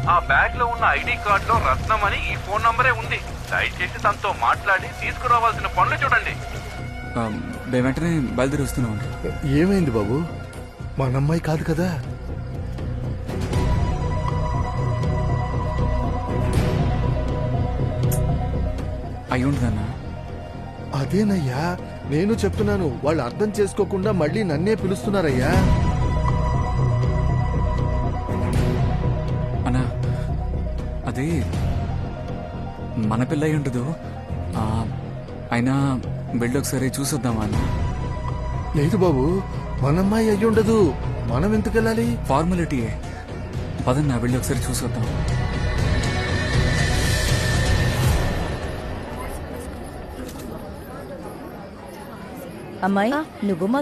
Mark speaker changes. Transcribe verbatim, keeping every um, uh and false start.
Speaker 1: ఆ బ్యాగ్ లో ఉన్న ఐడి కార్డ్ లో రత్నం అని ఈ ఫోన్ నంబరే ఉంది. దయచేసి తనతో మాట్లాడి తీసుకురావాల్సిన పనులు చూడండి.
Speaker 2: ఆ, మేము వెంటనే బయలుదేరి వస్తున్నాం.
Speaker 3: ఏమైంది బాబు? మా అమ్మాయి కాదు కదా?
Speaker 2: అయి ఉంటుందన్నా.
Speaker 3: అదేనయ్యా నేను చెప్తున్నాను, వాళ్ళు అర్థం చేసుకోకుండా మళ్ళీ నన్నే పిలుస్తున్నారయ్యా.
Speaker 2: అన్నా అది మన పిల్ల అయి ఉండదు. ఆ, అయినా వెళ్ళి ఒకసారి చూసొద్దామా అన్న?
Speaker 3: లేదు బాబు, మనమ్మాయి అయ్యి ఉండదు. మనం ఎందుకు వెళ్ళాలి?
Speaker 2: ఫార్మాలిటీయే. పదన్నా వెళ్ళి ఒకసారి చూసొద్దాం.
Speaker 4: అమ్మాయి, నువ్వు మా